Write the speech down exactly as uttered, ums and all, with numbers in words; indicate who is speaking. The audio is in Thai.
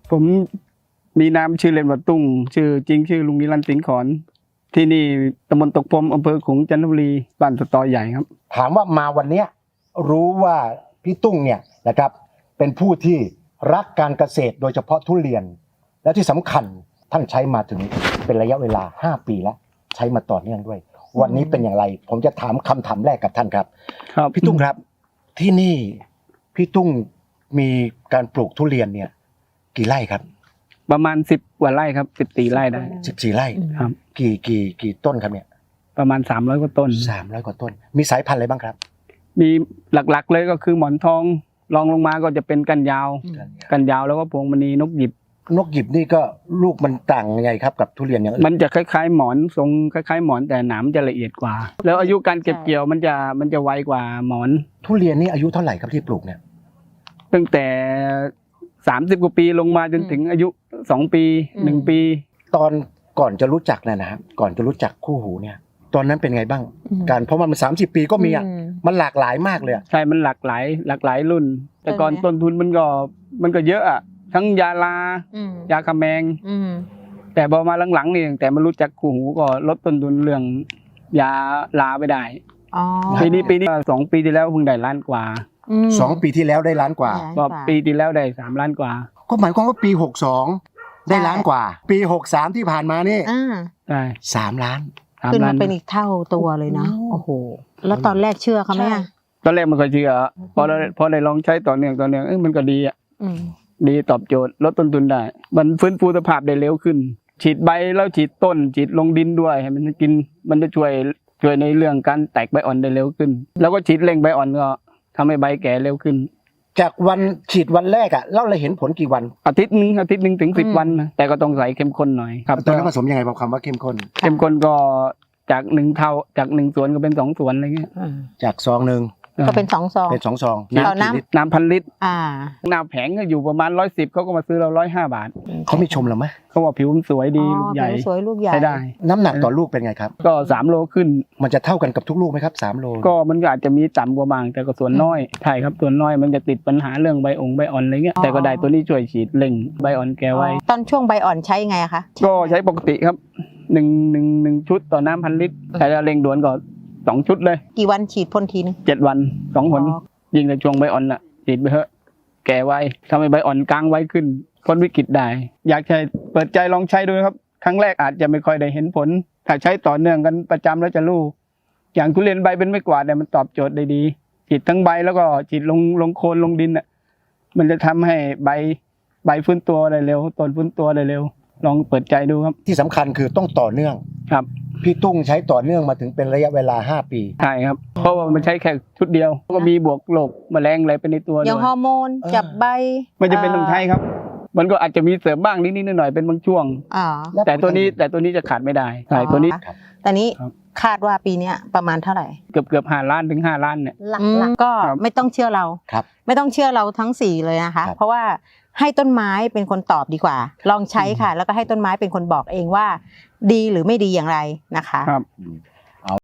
Speaker 1: ผมมีนามชื่อเล่นว่าตุ้งชื่อจริงชื่อลุงนิรันดร์สิงห์ขอนที่นี่ตำบลตกพรมอำเภอขลุงจันทบุรีบ้านสตอใหญ่ครับ
Speaker 2: ถามว่ามาวันนี้รู้ว่าพี่ตุ้งเนี่ยนะครับเป็นผู้ที่รักการเกษตรโดยเฉพาะทุเรียนและที่สำคัญท่านใช้มาถึงเป็นระยะเวลาห้าปีแล้วใช้มาต่อเนื่องด้วยวันนี้เป็นอย่างไรผมจะถามคำถามแรกกับท่านครับ
Speaker 1: ครับ
Speaker 2: พี่ตุ้งครับที่นี่พี่ตุ้งมีการปลูกทุเรียนเนี่ยกี่ไร่ครับ
Speaker 1: ประมาณสิบกว่าไร่ครับสิบสี่ไร่ได้
Speaker 2: สิบสี่ไร่
Speaker 1: ครับ
Speaker 2: กี่กี่กี่ต้นครับเนี่ย
Speaker 1: ประมาณสามร้อยกว่าต้น
Speaker 2: สามร้อยกว่าต้นมีสายพันธุ์อะไรบ้างครับ
Speaker 1: มีหลักๆเลยก็คือหมอนทองรองลงมาก็จะเป็นกันยาวกันยาวแล้วก็พวงมณีนกหยิบ
Speaker 2: นกหยิบนี่ก็ลูกมันต่างยังไงครับกับทุเรียนอย่างอื่น
Speaker 1: มันจะคล้ายๆหมอนทรงคล้ายๆหมอนแต่หนามจะละเอียดกว่าแล้วอายุการเก็บเกี่ยวมันจะมันจะไวกว่าหมอน
Speaker 2: ทุเรียนนี่อายุเท่าไหร่ครับที่ปลูกเนี่ย
Speaker 1: ตั้งแต่สามสิบกว่าปีลงมาจนถึงอายุสองปีหนึ่งปี
Speaker 2: ตอนก่อนจะรู้จักนะนะครับก่อนจะรู้จักคู่หูเนี่ยตอนนั้นเป็นไงบ้างการเพราะมันสามสิบปีก็มีอ่ะมันหลากหลายมากเลย
Speaker 1: ใช่มันหลากหลายหลากหลายรุ่นแต่ก่อนต้นทุนมันก็มันก็เยอะอ่ะทั้งยาลายาคาแมงแต่พอมาหลังๆนี่แต่มารู้จักคู่หูก็ลดต้นทุนเรื่องยาลาไปได้ปีนี้ปีนี้สองปีที่แล้วเพิ่งได้ล้านกว่า
Speaker 2: สองปีที่แล้วได้ล้านกว่า
Speaker 1: ก็ปีที่แล้วได้สามล้านกว่า
Speaker 2: ก็หมายความว่าปีหกสองได้ล้านกว่าปีหกสามที่ผ่านมานี่
Speaker 1: ใช่
Speaker 2: สามล้าน
Speaker 3: ขึ้นมาเป็นอีกเท่าตัวเลยนะโอ้โหแล้วตอนแรกเชื่อเขาไหม
Speaker 1: ตอนแรกมันก็เชื่อพอได้พอได้ลองใช้ต่อเนื่องต่อเนื่องเอ้ยมันก็ดีอ่ะดีตอบโจทย์ลดต้นทุนได้มันฟื้นฟูสภาพได้เร็วขึ้นฉีดใบแล้วฉีดต้นฉีดลงดินด้วยให้มันกินมันจะช่วยช่วยในเรื่องการแตกใบอ่อนได้เร็วขึ้นแล้วก็ฉีดเร่งใบอ่อนก็ทำให้ใบแก่เร็วขึ้น
Speaker 2: จากวันฉีดวันแรกอ่ะเราเลยเห็นผลกี่วัน
Speaker 1: อาทิตย์นึงอาทิตย์นึงถึงสิบวันนะแต่ก็ต้องใส่เข้มข้นหน่อยครับ
Speaker 2: ตอนนั้นผสมยังไงบอกคำว่าเข้มข้น
Speaker 1: เข้มข้นก็จากหนึ่งเท่าจากหนึ่งส่วนก็เป็นสองส่วนอะไรเงี้ย
Speaker 2: จากซองหนึ่ง
Speaker 3: ก็เป็นสองซอง
Speaker 2: เป็นสองซอง
Speaker 3: น้ำ
Speaker 1: น้ำพันลิตร
Speaker 3: อ่า
Speaker 1: หน้าแผงก็อยู่ประมาณร้อยสิบเขาก็มาซื้อเราร้อยห้าบาท
Speaker 2: เขาไม่ชมเราไหม
Speaker 1: เขาบอกผิวมันสวยดีลูกใหญ่
Speaker 3: สวยลูกใหญ่
Speaker 1: ใช้ได้
Speaker 2: น้ำหนักต่อลูกเป็นไงครับ
Speaker 1: ก็สามโลขึ้น
Speaker 2: มันจะเท่ากันกับทุกลูกไหมครับสามโล
Speaker 1: ก็มันก็อาจจะมีต่ำกว่าบางแต่ก็ส่วนน้อยใช่ครับส่วนน้อยมันจะติดปัญหาเรื่องใบองใบอ่อนอะไรเงี้ยแต่ก็ได้ตัวนี้ช่วยฉีดเร่งใบอ่อนแก่ไว้
Speaker 3: ตอนช่วงใบอ่อนใช้ไงคะ
Speaker 1: ก็ใช้ปกติครับหนึ่งหนึ่งหนึ่งชุดต่อน้ำพันลิตรแต่เร่งด่วนก็สองชุดเลย
Speaker 3: กี่วันฉีดพ่นทีนึง
Speaker 1: เจ็ดวันสองหนยิงในช่วงใบอ่อนน่ะฉีดไปเถอะแก่ไวทำให้ใบอ่อนกลางไว้ขึ้นพ้นวิกฤตได้อยากใช้เปิดใจลองใช้ดูครับครั้งแรกอาจจะไม่ค่อยได้เห็นผลถ้าใช้ต่อเนื่องกันประจำแล้วจะรู้อย่างทุเรียนใบเป็นไม่กวาดเนี่ยมันตอบโจทย์ได้ดีฉีดทั้งใบแล้วก็ฉีดลงลงโคนลงดินอ่ะมันจะทำให้ใบใบฟื้นตัวได้เร็วต้นฟื้นตัวได้เร็วลองเปิดใจดูครับ
Speaker 2: ที่สำคัญคือต้องต่อเนื่อง
Speaker 1: ครับ
Speaker 2: พี่ตุ้งใช้ต่อเนื่องมาถึงเป็นระยะเวลาห้าปี
Speaker 1: ใช่ครับเพราะว่ามันใช้แค่ชุดเดียวก็มีบวกโรคแมลงอะไรเป็นในตัว
Speaker 3: อย่างฮอร์โมนจับใบ
Speaker 1: ไม่จะเป็นต้องใช้ครับมันก็อาจจะมีเสริมบ้างนิดๆหน่อยๆเป็นบางช่วงแต่ตัวนี้แต่ตัวนี้จะขาดไม่ได้ใช่ตัวนี้
Speaker 3: ตอนนี้คาดว่าปีนี้ประมาณเท่าไหร่
Speaker 1: เกือบเกือบห้าล้านถึงห้าล้านเนี่ย
Speaker 3: ก็ไม่ต้องเชื่อเราไม่ต้องเชื่อเราทั้งสี่เลยนะคะเพราะว่าให้ต้นไม้เป็นคนตอบดีกว่าลองใช้ค่ะแล้วก็ให้ต้นไม้เป็นคนบอกเองว่าดีหรือไม่ดีอย่างไรนะคะ
Speaker 1: ครับ